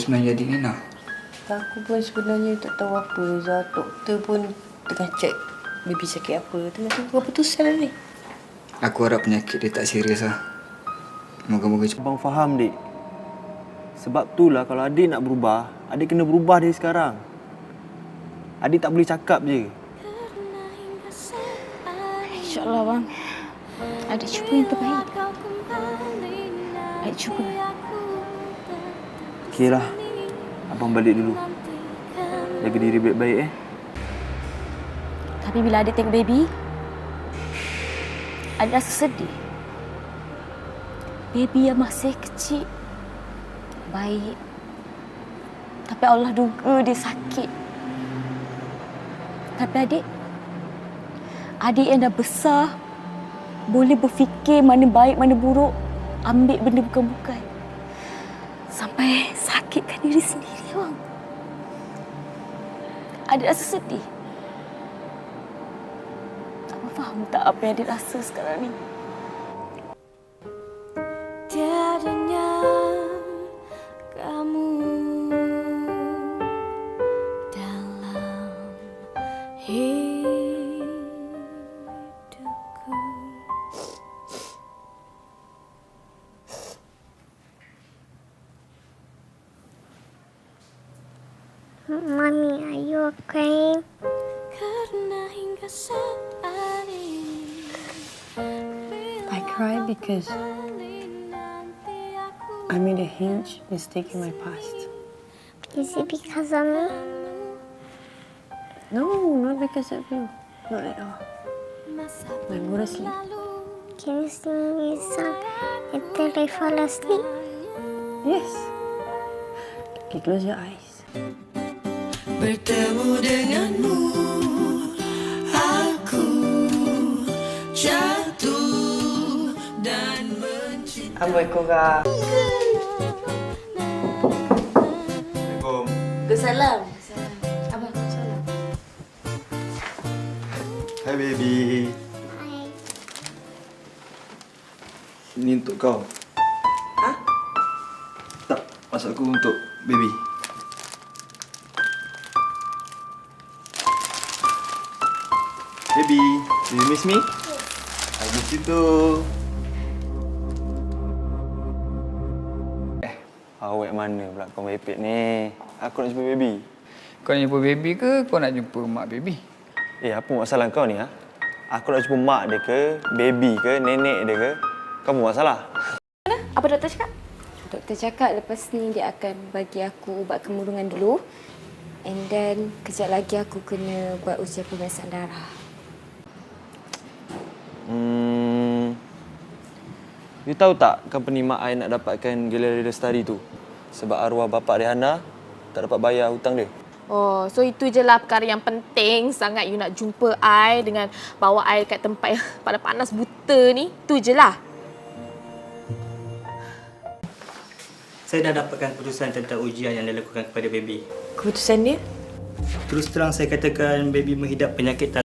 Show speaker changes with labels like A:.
A: sebenarnya jadi Nina?
B: Aku pun sebenarnya tak tahu apa, Zah. Doktor pun tengah cek baby sakit apa. Tengah tunggu keputusan lah ni.
A: Aku harap penyakit dia tak serius lah. Moga-moga cepat.
C: Abang faham, Dik. Sebab itulah kalau adik nak berubah, adik kena berubah dari sekarang. Adik tak boleh cakap je.
D: InsyaAllah, bang. Adik cuba yang terbaik. Adik cuba.
C: Okeylah. Abang balik dulu. Jaga diri baik-baik,
D: Tapi bila adik tengok baby, adik rasa sedih. Baby yang masih kecil, baik. Tapi Allah duga dia sakit. Tapi adik yang dah besar, boleh berfikir mana baik, mana buruk, ambil benda bukan-bukan. Sampai sakitkan diri sendiri, bang. Adik rasa sedih. Abang faham tak apa yang adik rasa sekarang ni?
E: Tiadanya kamu dalam hidupku.
F: Mommy, are you okay?
E: Karena hingga saat ini
B: I cry because I made a huge mistake in my past.
F: Is it because of me?
B: No, not because of you. Not at all. I'm going to sleep.
F: Can you sing me a song until I fall asleep?
B: Yes. Okay, close your eyes.
E: bertemu denganmu, aku jatuh dan mencintai.
B: Amboi korang.
C: Assalamualaikum.
D: Salam. Abang, salam.
C: Hai, baby.
F: Hi.
C: Ini untuk kau.
B: Hah?
C: Tak, maksud aku untuk baby. Baby, do you miss me? Yes. I miss you too. Awak mana pula kau merepek ni? Aku nak jumpa baby.
A: Kau nak jumpa baby ke kau nak jumpa mak baby?
C: Apa masalah kau ni, ha? Aku nak jumpa mak dia ke, baby ke, nenek dia ke? Kau apa masalah?
D: Apa doktor cakap? Doktor cakap lepas ni dia akan bagi aku ubat kemurungan dulu. And then kejap lagi aku kena buat ujian pemeriksaan darah.
C: You tahu tak company mak I nak dapatkan galeri lestari tu? Sebab arwah bapa Rihanna tak dapat bayar hutang dia.
G: Oh, so itu je lah perkara yang penting sangat you nak jumpa I dengan bawa I kat tempat yang panas buta ni. Tu je lah.
H: Saya dah dapatkan keputusan tentang ujian yang dilakukan kepada baby.
B: Keputusan dia?
H: Terus terang saya katakan baby menghidap penyakit